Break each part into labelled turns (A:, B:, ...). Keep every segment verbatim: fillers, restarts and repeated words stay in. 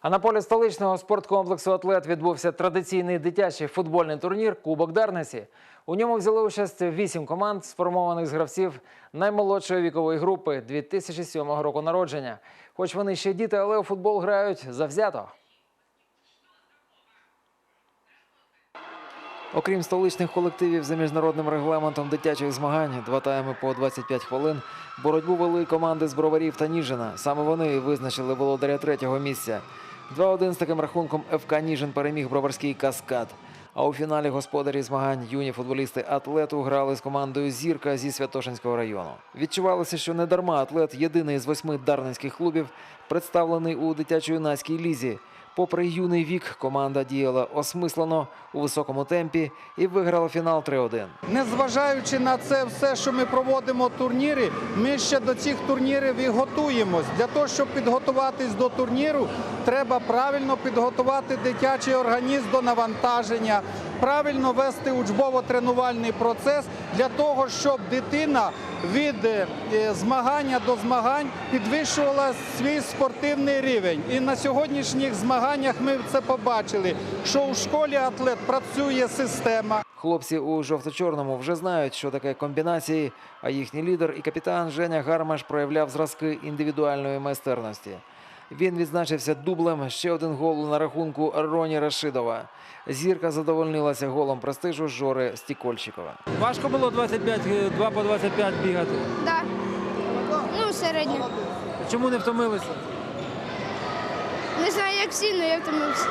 A: А на полі столичного спорткомплексу «Атлет» відбувся традиційний дитячий футбольний турнір «Кубок Дарниці». У ньому взяли участь вісім команд, сформованих з гравців наймолодшої вікової групи дві тисячі сьомого року народження. Хоч вони ще діти, але у футбол грають завзято. Окрім столичних колективів за міжнародним регламентом дитячих змагань, два тайми по двадцять п'ять хвилин, боротьбу вели команди з Броварів та Ніжина. Саме вони визначили володаря третього місця. два один з таким рахунком еф ка Ніжин переміг броварський «Каскад». А у фіналі господарі змагань юні футболісти «Атлету» грали з командою «Зірка» зі Святошинського району. Відчувалося, що не дарма «Атлет» – єдиний з восьми дарницьких клубів, представлений у дитячо-юнацькій лізі. Попри юний вік, команда діяла осмислено, у високому темпі і виграла фінал три один.
B: Незважаючи на це все, що ми проводимо турніри, ми ще до цих турнірів і готуємось. Для того, щоб підготуватись до турніру, треба правильно підготувати дитячий організм до навантаження, правильно вести учбово-тренувальний процес для того, щоб дитина від змагання до змагань підвищувала свій спортивний рівень. І на сьогоднішніх змаганнях ми це побачили, що у школі «Атлет» працює система.
A: Хлопці у жовто-чорному вже знають, що таке комбінації, а їхній лідер і капітан Женя Гармаш проявляв зразки індивідуальної майстерності. Він відзначився дублем, ще один гол на рахунку Роні Рашидова. «Зірка» задовольнилася голом престижу Жори Стікольчикова.
C: Важко було двадцять п'ять, два по двадцять п'ять бігати?
D: Так. Ну, середньо.
C: Чому не втомилися?
D: Не знаю, як всі, але я втомився.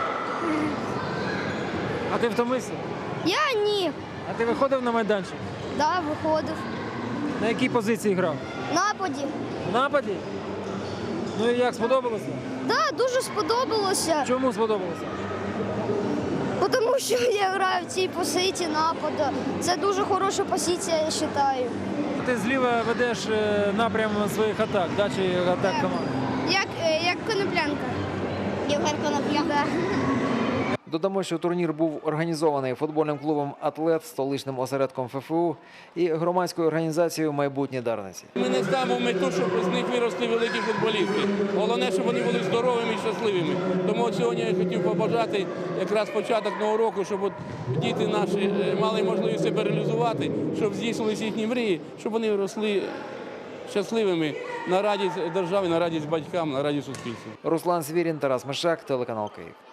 C: А ти втомився?
D: Я ні.
C: А ти виходив на майданчик?
D: Так, виходив.
C: На якій позиції грав?
D: В нападі.
C: В нападі? Ну і як, сподобалося?
D: Так, дуже сподобалося.
C: Чому сподобалося?
D: Тому що я граю в цій позиції нападу. Це дуже хороша позиція, я вважаю.
C: Ти зліва ведеш напрям своїх атак, да, чи атак команди?
D: Як, як Коноплянка. Євген Коноплянка.
A: Додамо, що турнір був організований футбольним клубом «Атлет», столичним осередком еф еф у і громадською організацією «Майбутні Дарниці».
E: Ми не ставимо мету, щоб з них виросли великі футболісти. Головне, щоб вони були здоровими і щасливими. Тому сьогодні я хотів побажати якраз початок нового року, щоб от діти наші мали можливість себе реалізувати, щоб здійснилися їхні мрії, щоб вони росли щасливими на радість держави, на радість батькам, на радість суспільству.
A: Руслан Свірін, Тарас Мишак, телеканал «Київ».